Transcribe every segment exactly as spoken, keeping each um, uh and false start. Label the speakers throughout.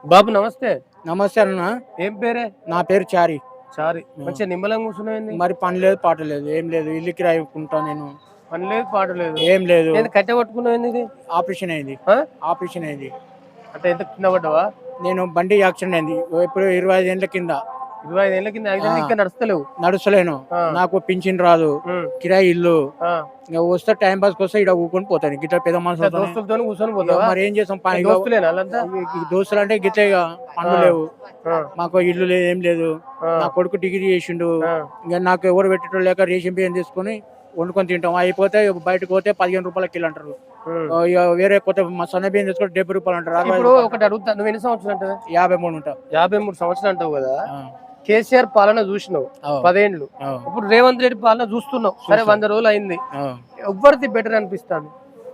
Speaker 1: బాబు నమస్తే.
Speaker 2: నమస్తే అన్న.
Speaker 1: ఏం పేరే?
Speaker 2: నా పేరు చారి.
Speaker 1: చారి. మంచిగా నిమ్మలంగా కూర్చున్నావేంది?
Speaker 2: మరి పని లేదు పాట లేదు ఏం లేదు, ఇల్లు కిరాయి ఉంటా నేను.
Speaker 1: పని లేదు పాట లేదు
Speaker 2: ఏం లేదు.
Speaker 1: ఏంది కట్టె పట్టుకున్నావేంది? ఇది
Speaker 2: ఆపరేషన్ అయింది.
Speaker 1: ఆ?
Speaker 2: ఆపరేషన్ అయింది.
Speaker 1: అంటే ఎంత కింద పడ్డావా?
Speaker 2: నేను బండి యాక్సిడెంట్ అయింది ఇప్పుడు ఇరవై ఐదు ఏళ్ళ కింద.
Speaker 1: ఇరవై ఐదు ఏళ్ళ కింద ఐదు ఇంకా నడుస్తలేవు?
Speaker 2: నడుస్తలేను. నాకు పింఛన్ రాదు, కిరాయి ఇల్లు.
Speaker 1: ఆ.
Speaker 2: ఇంకా వస్తే టైం పాస్ వస్తే ఇక్కడ ఊకొని పోతాను. గిట్ల పెద్ద మనుషులు
Speaker 1: దోస్తులతో కూర్చొని పోతావా?
Speaker 2: మరి ఏం చేస్తాం, పని
Speaker 1: దోస్తులేనా వాళ్ళంతా?
Speaker 2: దోస్తులు అంటే గిట్లే ఇక పనులు లేవు. మాకు ఇల్లు లేదు ఏం లేదు. నా కొడుకు డిగ్రీ చేసిండు. ఇంకా నాకు ఎవరు పెట్టడం లేక రేషన్ బియ్యం తీసుకుని వండుకొని తింటాం. అయిపోతే బయటకు పోతే పదిహేను రూపాయల కిలో అంటారు. ఇక వేరే కొత్త సన్న బియ్యం తీసుకుంటే డెబ్బై రూపాయలు అంటారు.
Speaker 1: ఇప్పుడు ఒకటి అడుగుతా, నువ్వు ఎన్ని సంవత్సరాలు అంటావు?
Speaker 2: యాభై మూడు ఉంటా.
Speaker 1: యాభై మూడు సంవత్సరాలు అంటావు కదా. కేసీఆర్ పాలన చూసినావు పదేండ్లు, ఇప్పుడు రేవంత్ రెడ్డి పాలన చూస్తున్నావు. సరే వంద రోజులు అయింది, ఎవరిది బెటర్ అనిపిస్తాను?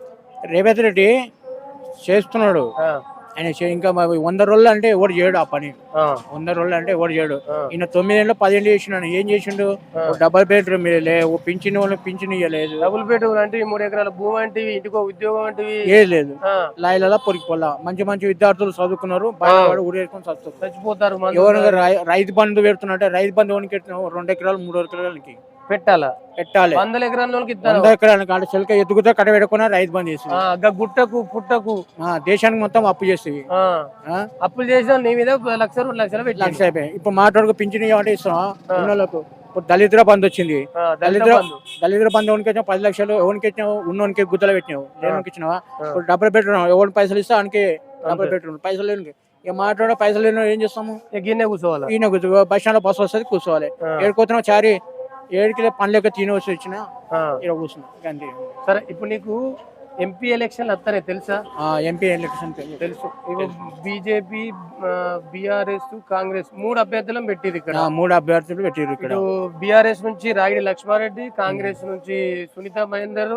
Speaker 2: రేవంత్ రెడ్డి చేస్తున్నాడు ఆయన. ఇంకా వంద రోజులు అంటే ఎవరు చేయడు ఆ పని. వంద రోజులు అంటే ఎవరు చేయడు. ఈయన తొమ్మిదేళ్ళు పదేళ్ళు చేసినాడు. ఏం చేసిండు? డబుల్ బెడ్రూమ్ ఓ పింఛన్ వాళ్ళు పింఛన్ ఇవ్వలేదు.
Speaker 1: డబుల్ బెడ్రూమ్ అంటే మూడు ఎకరాల భూమి అంటే ఇంటికో ఉద్యోగం అంటే
Speaker 2: ఏది లేదు. లాయలలో పొరికిపోలా మంచి మంచి విద్యార్థులు చదువుకున్నారు, బయట ఊరేసుకొని
Speaker 1: చచ్చిపోతారు.
Speaker 2: ఎవరు రైతు బంధు పెడుతున్నట్టే రైతు బంధు ఎవరికి రెండు ఎకరాలు మూడు ఎకరాలకి
Speaker 1: పెట్టాలా? పెట్టాలి. వందల
Speaker 2: ఎకరాలకి వంద ఎకరాలకి అంటే చెలక ఎత్తుకుతా కట్ట పెట్టుకున్నా రైతు బంధు చేసి
Speaker 1: గుట్టకు పుట్టకు
Speaker 2: దేశానికి మొత్తం అప్పు చేసేవి.
Speaker 1: అప్పులు చేసినా నీ మీద లక్ష రెండు లక్షలు పెట్టి
Speaker 2: లక్ష అయిపోయి. ఇప్పుడు మాట్లాడుకు పింఛన్ అంటే ఇస్తున్నాం ఉన్నోళ్ళకు. ఇప్పుడు దళితుల బంధు వచ్చింది. దళితుల దళితుల బంధు ఎవరికి వచ్చినా పది లక్షలు ఎవరికి ఇచ్చినావు? ఉన్నోనికి గుద్దలు పెట్టినావు, లేనికి ఇచ్చినావా? ఇప్పుడు డబ్బులు పెట్టున్నావు, ఎవరికి పైసలు ఇస్తా ఆయనకి డబ్బులు పెట్టున్నావు. పైసలు లేని ఇక మాట్లాడే పైసలు లేని ఏం చేస్తాము?
Speaker 1: ఈయన కూర్చోవాలి.
Speaker 2: ఈయన కూర్చో బస్ స్టాండ్ లో బస్సు వస్తుంది కూర్చోవాలి. ఏడుకోతున్నావు చారి ఏడుకి పని లేక తిని వచ్చి వచ్చిన ఇక్కడ కూర్చున్నా అంతే.
Speaker 1: సరే ఇప్పుడు నీకు ఎంపీ ఎలక్షన్ వస్తారే తెలుసా?
Speaker 2: ఎంపీ ఎలక్షన్
Speaker 1: తెలుసు. బీజేపీ, బిఆర్ఎస్, కాంగ్రెస్ మూడు అభ్యర్థులను పెట్టిరు ఇక్కడ.
Speaker 2: మూడు అభ్యర్థులు పెట్టిరు ఇక్కడ.
Speaker 1: బిఆర్ఎస్ నుంచి రాగిడి లక్ష్మారెడ్డి, కాంగ్రెస్ నుంచి సునీత మహేందర్,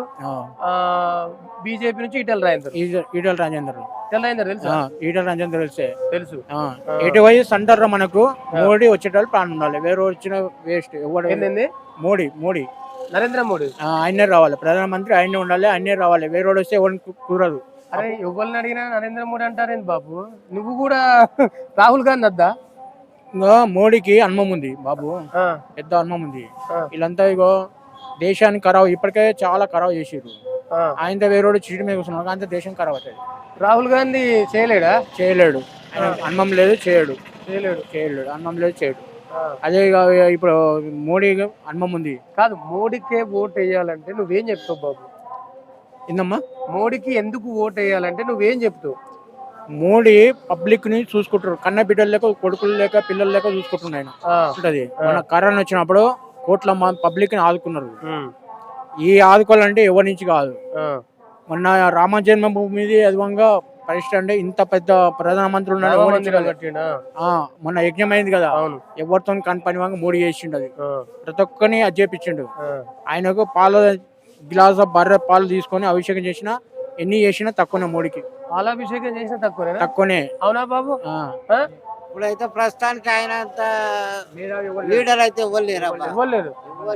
Speaker 1: బీజేపీ నుంచి ఈటల రాజేందర్.
Speaker 2: ఈటల రాజేందర్
Speaker 1: ఈటల రాజేందర్ తెలుసా?
Speaker 2: ఈటల రాజేందర్ తెలిసే తెలుసు.
Speaker 1: ఎటు
Speaker 2: వయసు అంటారు మనకు మోడీ వచ్చేటప్పుడు ప్రాణం ఉండాలి, వేరే వచ్చిన వేస్ట్. ఎవరు? మోడీ మోడీ
Speaker 1: నరేంద్ర మోడీ
Speaker 2: ఆయనే రావాలి, ప్రధానమంత్రి ఆయనే ఉండాలి, ఆయనే రావాలి. వేరే వాడు వస్తే ఎవరికి కుదరదు.
Speaker 1: అరే ఎవరిని అడిగినా నరేంద్ర మోడీ అంటారేంటి బాబు? నువ్వు కూడా రాహుల్ గాంధీ వద్దా?
Speaker 2: ఇంకా మోడీకి అనుభవం ఉంది బాబు, పెద్ద అనుభవం ఉంది. వీళ్ళంతా ఇగో దేశాన్ని ఖరాబ్ ఇప్పటికే చాలా ఖరాబ్ చేసారు. ఆయనతో వేరే చీటి మీద కూర్చున్నాడు, అంత దేశం ఖరాబ్ అవుతుంది.
Speaker 1: రాహుల్ గాంధీ చేయలేడా?
Speaker 2: చేయలేడు. అనుభవం లేదు, చేయడు.
Speaker 1: చేయలేడు
Speaker 2: చేయలేడు అనుభవం లేదు, చేయడు. అదే ఇప్పుడు మోడీ అనుభవం ఉంది.
Speaker 1: కాదు, మోడీకే ఓట్ వేయాలంటే నువ్వేం చెప్తావు బాబు?
Speaker 2: ఏందమ్మా?
Speaker 1: మోడీకి ఎందుకు ఓట్ వేయాలంటే నువ్వేం చెప్తావు?
Speaker 2: మోడీ పబ్లిక్ ని చూసుకుంటారు, కన్న బిడ్డలు లేక కొడుకులు లేక పిల్లలు లేక చూసుకుంటున్నాయి. ఉంటది. మన కరోనా వచ్చినప్పుడు కోట్ల పబ్లిక్ ని ఆదుకున్నారు. ఈ ఆదుకోవాలంటే ఎవరి నుంచి కాదు. మొన్న రామ జన్మభూమి అదివంగా పరిస్థితి అంటే ఇంత పెద్ద ప్రధానమంత్రి ఉన్నాడు. మొన్న యజ్ఞం అయింది కదా, ఎవరితో కని పని వాంగ మోడీ చేసిండు. అది ప్రతి ఒక్కరిని అది చేపించిండు. ఆయనకు పాల గ్లాస్ బర్రె పాలు తీసుకొని అభిషేకం చేసిన ఎన్ని చేసినా తక్కువనే. మోడీకి
Speaker 1: పాలాభిషేకం చేసినా తక్కువనే
Speaker 2: తక్కువనే.
Speaker 1: అవునా బాబు?
Speaker 3: ఇప్పుడైతే ప్రస్తుతానికి ఆయన లీడర్ అయితే ఇవ్వలేరు.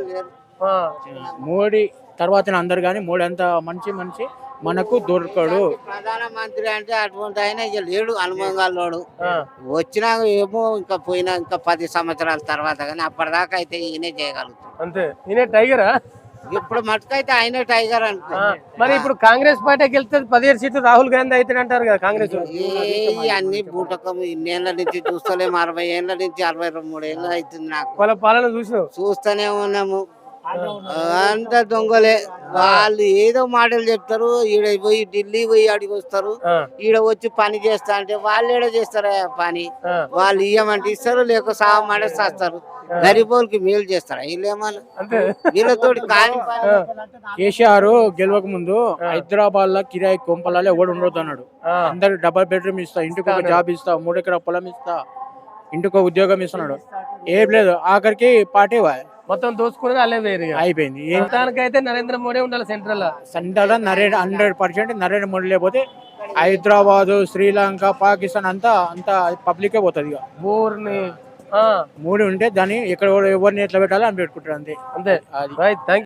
Speaker 2: మోడీ తర్వాత అందరు కానీ మోడీ అంత మంచి మనిషి మనకు దొరకడు.
Speaker 3: ప్రధానమంత్రి అంటే అటువంటి ఆయన ఇక లేడు, అనుభవంగాలోడు. వచ్చినా ఏమో ఇంకా పోయినా ఇంకా పది సంవత్సరాల తర్వాత కానీ అప్పటిదాకా అయితే ఈయనే చేయగలుగుతాడు.
Speaker 1: అంతే. ఈయన టైగరా?
Speaker 3: ఇప్పుడు మటుకైతే ఆయనే టైగర్ అనుకో.
Speaker 1: మరి ఇప్పుడు కాంగ్రెస్ పార్టీకి వెళ్తే పదిహేడు సీట్లు రాహుల్ గాంధీ అయితే అంటారు కదా కాంగ్రెస్.
Speaker 3: అన్ని బూటకం ఇన్నేళ్ల నుంచి చూస్తలేము, అరవై ఏళ్ల నుంచి అరవై మూడు ఏళ్ళు అవుతుంది నాకు.
Speaker 1: వాళ్ళ పాలన చూసినావు?
Speaker 3: చూస్తూనే ఉన్నాము. అంత దొంగలే వాళ్ళు. ఏదో మాటలు చెప్తారు, ఈడ పోయి ఢిల్లీ పోయి అడిగి వస్తారు, ఈడ వచ్చి పని చేస్తా అంటే వాళ్ళు ఏడ చేస్తారా పని? వాళ్ళు ఇయ్యమంటే ఇస్తారు, లేక సాగమంటే చేస్తారు. గరీబోళ్ళకి మేలు చేస్తారా వీళ్ళేమన్నా? వీళ్ళతో కానీ
Speaker 2: కేసీఆర్ గెలవక ముందు హైదరాబాద్ లో కిరాయి కొంపలలో ఎవడు ఉండొద్దు అన్నాడు. అందరు డబల్ బెడ్రూమ్ ఇస్తా, ఇంటికి ఒక జాబ్ ఇస్తా, మూడు ఎకరా పొలం ఇస్తా, ఇంటికి ఒక ఉద్యోగం ఇస్తున్నాడు. ఏం లేదు, ఆఖరికి పార్టీ
Speaker 1: మొత్తం దోచుకునేది అల్లే వేరు
Speaker 2: అయిపోయింది.
Speaker 1: అయితే నరేంద్ర మోడీ ఉండాలి central.
Speaker 2: Central Narendra hundred percent Narendra Modi లేకపోతే హైదరాబాద్, శ్రీలంక, పాకిస్తాన్ అంతా అంతా పబ్లికే పోతుంది. ఇక
Speaker 1: బోర్ని
Speaker 2: మోడీ ఉంటే దాన్ని ఎక్కడ ఎవరిని ఎట్లా పెట్టాలో అని పెట్టుకుంటారు. అంతే
Speaker 1: అంతే. రైట్. థ్యాంక్